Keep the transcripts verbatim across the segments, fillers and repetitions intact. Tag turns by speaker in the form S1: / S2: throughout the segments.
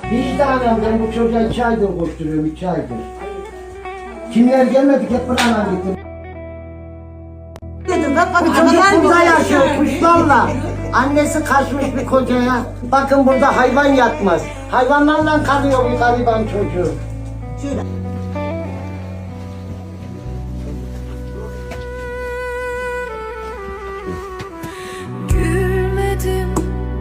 S1: Vicdanen ben bu çocuğa iki aydır koşturuyorum, iki aydır. Kimler gelmedik hep buradan gittim. Dedim bak bak çocuk burada yaşıyor kuşlarla. Annesi kaçmış bir kocaya. Bakın burada hayvan yatmaz. Hayvanlarla kalıyor bu gariban çocuğu. Şöyle.
S2: Gülmedim,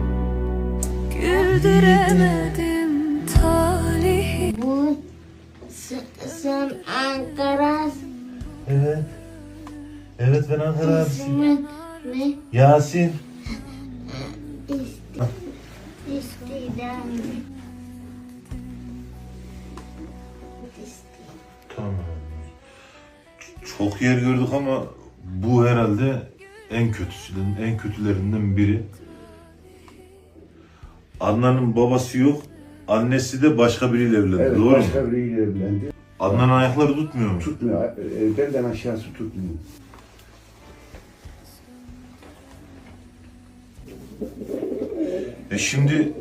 S2: güldüremedim talihi.
S3: Bu sen Ankara
S4: Evet. Evet ben Ankara abisiyim.
S3: ismin ne?
S4: Yasin.
S3: İsti, istidam.
S4: Tamam. Ç- Çok yer gördük ama bu herhalde en kötüsünün, en kötülerinden biri. Adnan'ın babası yok, annesi de başka biriyle evlendi.
S5: Evet,
S4: Doğru
S5: başka
S4: mu?
S5: biriyle evlendi.
S4: Adnan'ın ayakları tutmuyor mu?
S5: Tutmuyor, e, belden aşağısı tutmuyor.
S4: E şimdi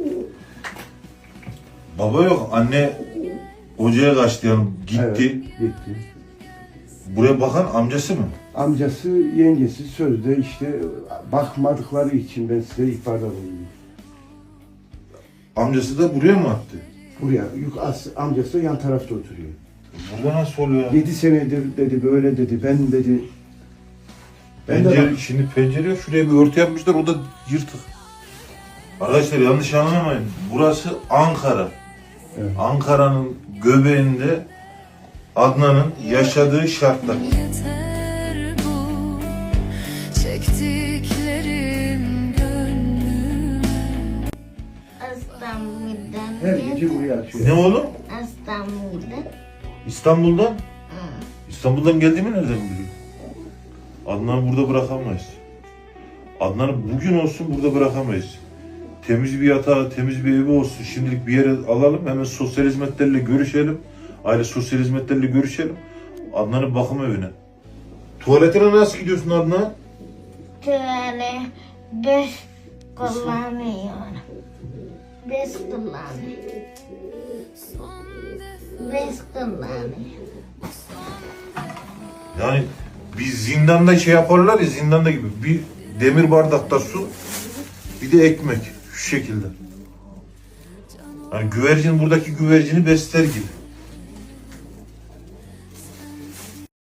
S4: baba yok, anne hocaya kaçtı yani gitti.
S5: Evet, gitti.
S4: Buraya bakan amcası mı?
S5: Amcası, yengesi sözde işte bakmadıkları için ben size ihbarda bulundum.
S4: Amcası da buraya mı attı?
S5: Buraya, yük as, amcası da yan tarafta oturuyor.
S4: Burada nasıl oluyor?
S5: Yedi senedir dedi, böyle dedi, ben dedi. Ben de
S4: Pencere,
S5: bak-
S4: şimdi pencere yok. Şuraya bir örtü yapmışlar. O da yırtık. Arkadaşlar yanlış anlamayın. Burası Ankara.
S5: Evet.
S4: Ankara'nın göbeğinde Adnan'ın yaşadığı şartlar.
S2: Yeter bu çektiklerim gönlüme.
S3: İstanbul'dan
S5: her
S3: geldim.
S5: gece buraya açıyor.
S4: Ne oğlum?
S3: İstanbul'dan.
S4: İstanbul'dan?
S3: Hı.
S4: İstanbul'dan geldiğimi nereden biliyor? Adnan'ı burada bırakamayız. Adnan'ı bugün olsun burada bırakamayız. Temiz bir yatağı, temiz bir evi olsun. Şimdilik bir yere alalım. Hemen sosyal hizmetlerle görüşelim. Aile sosyal hizmetlerle görüşelim. Adnan'ın bakım evine. Tuvaletine nasıl gidiyorsun Adnan?
S3: Şöyle beş kullanıyorum. Beş kullanıyorum. Beş kullanıyorum.
S4: Yani bir zindanda şey yaparlar ya, zindanda gibi. Bir demir bardakta su, bir de ekmek. Şu şekilde. Yani güvercin buradaki güvercini besler gibi.